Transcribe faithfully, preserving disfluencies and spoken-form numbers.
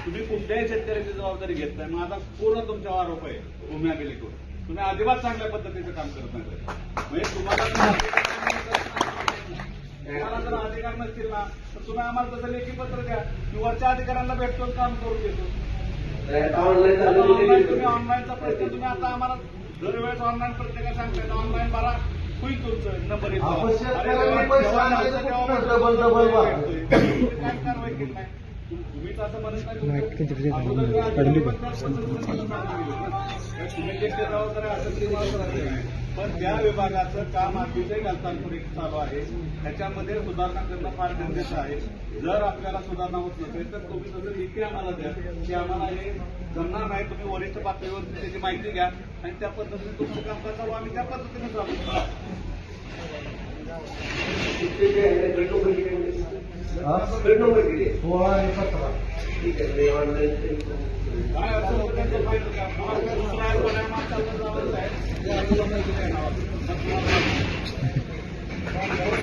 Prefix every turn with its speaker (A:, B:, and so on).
A: तुम्ही कुठल्याही शेतकऱ्याची जबाबदारी घेत नाही. माझा पूर्ण तुमच्यावर आरोप आहे भूमी अभिलेखवर. तुम्ही अजिबात चांगल्या पद्धतीचं काम करत नाही. म्हणजे तुम्हाला तुम्हाला जर अधिकार नसतील ना तर तुम्ही आम्हाला तसं लेखी पत्र द्या. मी वरच्या अधिकाऱ्यांना भेटतो काम करून देतो. ऑनलाईन तुम्ही ऑनलाईनचा प्रश्न तुम्ही आता आम्हाला दरवेळेस ऑनलाईन प्रत्येका सांगताय ऑनलाईन भरा होईल तुमचं नंबर येतो. काय कारवाई केली नाही तुम्हीच असं म्हणत नाही. तुम्ही जे जबाबदारी असेल पण ज्या विभागाचं काम अतिशय घालतांपुरिक चालू आहे त्याच्यामध्ये सुधारणा करणं फार गरजेचं आहे. जर आपल्याला सुधारणा होत नसेल तर तुम्ही तसं लेखी आम्हाला द्या की आम्हाला हे जमणार नाही. तुम्ही वरिष्ठ पातळीवर त्याची माहिती घ्या आणि त्या पद्धतीने तुमचं काम चालू आम्ही त्या पद्धतीने चालू.
B: ठीक आहे.